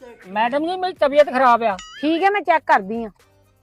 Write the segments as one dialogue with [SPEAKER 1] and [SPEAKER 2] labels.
[SPEAKER 1] Madam जी मेरी तबीयत खराब है।
[SPEAKER 2] ठीक है मैं चेक करदी हां।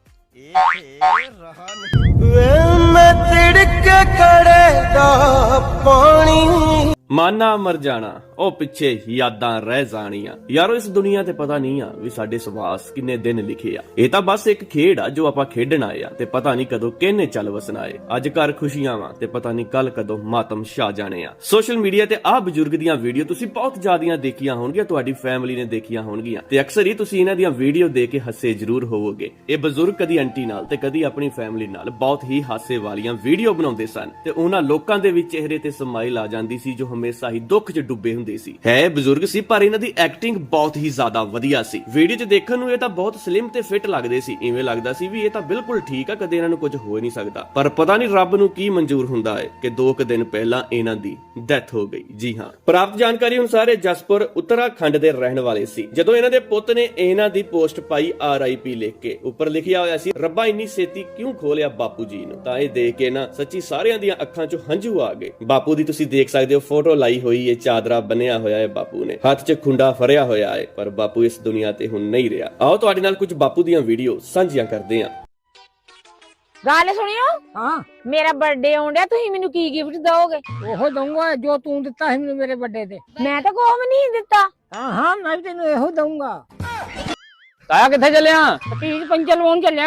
[SPEAKER 3] मैं तिड़क कड़ेगा पानी
[SPEAKER 4] ਮਾਨਾ ਮਰ ਜਾਣਾ ਉਹ ਪਿੱਛੇ ਯਾਦਾਂ ਰਹਿ ਜਾਣੀਆਂ। ਯਾਰੋ ਇਸ ਦੁਨੀਆ ਤੇ ਪਤਾ ਨਹੀਂ ਆ ਵੀ ਸਾਡੇ ਸਵਾਸ ਕਿੰਨੇ ਦਿਨ ਲਿਖੇ ਆ। ਇਹ ਤਾਂ ਬਸ ਇੱਕ ਖੇਡ ਆ ਜੋ ਆਪਾਂ ਖੇਡਣ ਆਏ ਆ ਤੇ ਪਤਾ ਨਹੀਂ ਕਦੋਂ ਕਿਹਨੇ ਚੱਲ ਵਸਣਾ ਏ। ਅੱਜ ਘਰ ਖੁਸ਼ੀਆਂ ਵਾ ਤੇ ਪਤਾ ਨਹੀਂ ਕੱਲ ਕਦੋਂ ਮਾਤਮ ਛਾ ਜਾਣੇ ਆ। ਸੋਸ਼ਲ ਮੀਡੀਆ ਤੇ ਆਹ ਬਜ਼ੁਰਗ ਦੀਆਂ ਵੀਡੀਓ ਤੁਸੀਂ ਬਹੁਤ ਜ਼ਿਆਦੀਆਂ ਦੇਖੀਆਂ ਹੋਣਗੀਆਂ, ਤੁਹਾਡੀ ਫੈਮਿਲੀ ਨੇ ਦੇਖੀਆਂ ਹੋਣਗੀਆਂ ਤੇ ਅਕਸਰ ਹੀ ਤੁਸੀਂ ਇਹਨਾਂ ਦੀਆਂ ਵੀਡੀਓ ਦੇਖ ਕੇ ਹੱਸੇ ਜ਼ਰੂਰ ਹੋਵੋਗੇ। ਇਹ ਬਜ਼ੁਰਗ ਕਦੀ ਆਂਟੀ ਨਾਲ ਤੇ ਕਦੀ ਆਪਣੀ ਫੈਮਿਲੀ ਨਾਲ ਬਹੁਤ ਹੀ ਹਾਸੇ ਵਾਲੀਆਂ ਵੀਡੀਓ ਬਣਾਉਂਦੇ ਸਨ ਤੇ ਉਹਨਾਂ ਲੋਕਾਂ ਦੇ ਵਿੱਚ ਚਿਹਰੇ ਤੇ ਸਮਾਈਲ ਆ ਜਾਂਦੀ ਸੀ ਜੋ ਹਮੇਸ਼ਾ ਹੀ ਦੁੱਖ 'ਚ ਡੁੱਬੇ ਹੁੰਦੇ ਸੀ। ਹੈ ਬਜ਼ੁਰਗ ਸੀ ਪਰ ਇਹਨਾਂ ਦੀ ਐਕਟਿੰਗ ਬਹੁਤ ਹੀ ਜ਼ਿਆਦਾ ਵਧੀਆ ਸੀ। ਵੀਡੀਓ 'ਚ ਦੇਖਣ ਨੂੰ ਇਹ ਤਾਂ ਬਹੁਤ ਸਲਿਮ ਤੇ ਫਿੱਟ ਲੱਗਦੇ ਸੀ, ਇਵੇਂ ਲੱਗਦਾ ਸੀ ਵੀ ਇਹ ਤਾਂ ਬਿਲਕੁਲ ਠੀਕ ਆ, ਕਦੇ ਇਹਨਾਂ ਨੂੰ ਕੁਝ ਹੋ ਨਹੀਂ ਸਕਦਾ। ਪਰ ਪਤਾ ਨਹੀਂ ਰੱਬ ਨੂੰ ਕੀ ਮਨਜ਼ੂਰ ਹੁੰਦਾ ਹੈ ਕਿ 2 ਦਿਨ ਪਹਿਲਾਂ ਇਹਨਾਂ ਦੀ ਡੈਥ ਹੋ ਗਈ। ਜੀ ਹਾਂ, ਪ੍ਰਾਪਤ ਜਾਣਕਾਰੀ ਅਨੁਸਾਰ ਇਹ ਜਸਪੁਰ ਉੱਤਰਾਖੰਡ ਦੇ ਰਹਿਣ ਵਾਲੇ ਸੀ। ਜਦੋਂ ਇਹਨਾਂ ਦੇ ਪੁੱਤ ਨੇ ਇਹਨਾਂ ਦੀ ਪੋਸਟ ਪਾਈ RIP ਲਿਖ ਕੇ, ਉੱਪਰ ਲਿਖਿਆ ਹੋਇਆ ਸੀ ਰੱਬਾ ਇੰਨੀ ਛੇਤੀ ਕਿਉਂ ਖੋਲਿਆ ਬਾਪੂ ਜੀ ਨੂੰ, ਤਾਂ ਇਹ ਦੇਖ ਕੇ ਨਾ ਸੱਚੀ ਸਾਰਿਆਂ ਦੀਆਂ ਅੱਖਾਂ 'ਚੋਂ ਹੰਝੂ ਆ ਗਏ। ਬਾਪੂ ਦੀ ਤੁਸੀਂ ਦੇਖ ਸਕਦੇ ਹੋ ਫੋਟੋ ਲਾਈ ਹੋਈ ਹੈ, ਚਾਦਰਾ ਬੰਨਿਆ ਹੋਇਆ ਹੈ ਬਾਪੂ ਨੇ, ਹੱਥ 'ਚ ਖੁੰਡਾ ਫੜਿਆ ਹੋਇਆ ਹੈ, ਪਰ ਬਾਪੂ ਇਸ ਦੁਨੀਆ ਤੇ ਹੁਣ ਨਹੀਂ ਰਿਹਾ। ਆਓ ਤੁਹਾਡੇ ਨਾਲ ਕੁਝ ਬਾਪੂ ਦੀਆਂ ਵੀਡੀਓ ਸਾਂਝੀਆਂ ਕਰਦੇ ਹਾਂ।
[SPEAKER 2] ਗੱਲ ਸੁਣਿਓ,
[SPEAKER 1] हाँ
[SPEAKER 2] ਮੇਰਾ ਬਰਥਡੇ ਆਉਂਦਾ, ਤੁਸੀਂ ਮੈਨੂੰ ਕੀ ਗਿਫਟ ਦੋਗੇ?
[SPEAKER 1] ओहो दूंगा जो तू दिता है मैंने मेरे बर्थडे ते।
[SPEAKER 2] ਮੈਂ ਤਾਂ ਕੋਈ ਵੀ ਨਹੀਂ ਦਿੱਤਾ।
[SPEAKER 1] हाँ हाँ मैं भी तेन एहो दूंगा।
[SPEAKER 5] ਤਾਇਆ ਕਿੱਥੇ ਚੱਲਿਆ?
[SPEAKER 1] तीज पंचर लवाउण चलिया।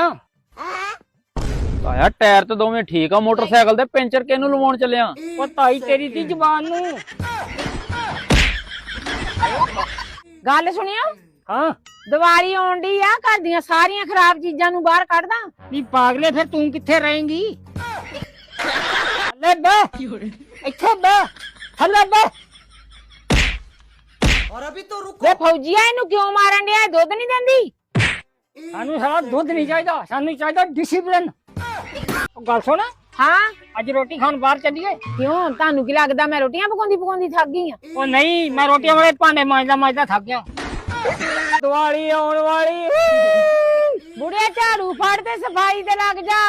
[SPEAKER 5] ਤਾਇਆ ਟਾਇਰ ਤੇ ਦੋਵੇਂ ਠੀਕ ਆ, ਮੋਟਰਸਾਈਕਲ ਦੇ ਪੈਂਚਰ ਕਿਹਨੂੰ ਲਵਾਉਣ ਚੱਲਿਆ?
[SPEAKER 1] ओ ताई तेरी दी जबान नू।
[SPEAKER 2] ਗੱਲ ਸੁਣਿਓ,
[SPEAKER 1] हाँ
[SPEAKER 2] ਦੀਵਾਲੀ ਆਉਣ ਡਈ ਆ, ਘਰ ਦੀਆਂ ਸਾਰੀਆਂ ਖਰਾਬ ਚੀਜ਼ਾਂ ਨੂੰ ਬਾਹਰ ਕੱਢਦਾ।
[SPEAKER 1] नी पागले फिर तू किथे रहेंगी? ले बे इथे बे हले बे।
[SPEAKER 3] और अभी तो रुको।
[SPEAKER 2] ਵੇ ਫੌਜੀਆ ਇਹਨੂੰ ਕਿਉਂ ਮਾਰਨ ਡਿਆ? ਦੁੱਧ ਨਹੀਂ ਦਿੰਦੀ?
[SPEAKER 1] सानू सारा दूध नहीं चाहिए, सानू चाहिए डिसिप्लिन। गल सुन,
[SPEAKER 2] ਹਾਂ
[SPEAKER 1] अज रोटी खान बाहर चलिए।
[SPEAKER 2] ਕਿਉਂ, ਤੁਹਾਨੂੰ ਕੀ ਲੱਗਦਾ ਮੈਂ ਰੋਟੀਆਂ ਪਕਾਉਂਦੀ ਥੱਕ गई ਆ?
[SPEAKER 1] ओ नहीं, मैं रोटियां वाले भांडे मांजदा थक गया। दिवाली आने वाली।
[SPEAKER 2] ਬੁੜਿਆ ਝਾੜੂ ਫੜ ਤੇ ਸਫਾਈ ਤੇ ਲੱਗ ਜਾ।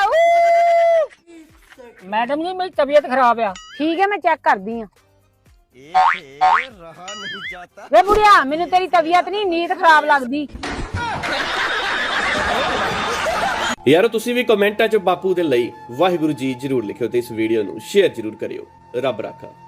[SPEAKER 1] मैडम जी मेरी तबीयत खराब है।
[SPEAKER 2] ਠੀਕ ਹੈ ਮੈਂ ਚੈੱਕ ਕਰਦੀ ਆ।
[SPEAKER 3] रहा नहीं जाता।
[SPEAKER 2] ਵੇ ਬੁੜਿਆ ਮੈਨੂੰ ਤੇਰੀ ਤਬੀਅਤ ਨਹੀਂ, ਨੀਂਦ ਖਰਾਬ ਲੱਗਦੀ।
[SPEAKER 4] ਯਾਰੋ ਤੁਸੀਂ ਵੀ ਕਮੈਂਟਾਂ 'ਚ ਬਾਪੂ ਦੇ ਲਈ ਵਾਹਿਗੁਰੂ ਜੀ ਜ਼ਰੂਰ ਲਿਖਿਓ ਤੇ ਇਸ ਵੀਡੀਓ ਨੂੰ ਸ਼ੇਅਰ ਜ਼ਰੂਰ ਕਰਿਓ। ਰੱਬ ਰਾਖਾ।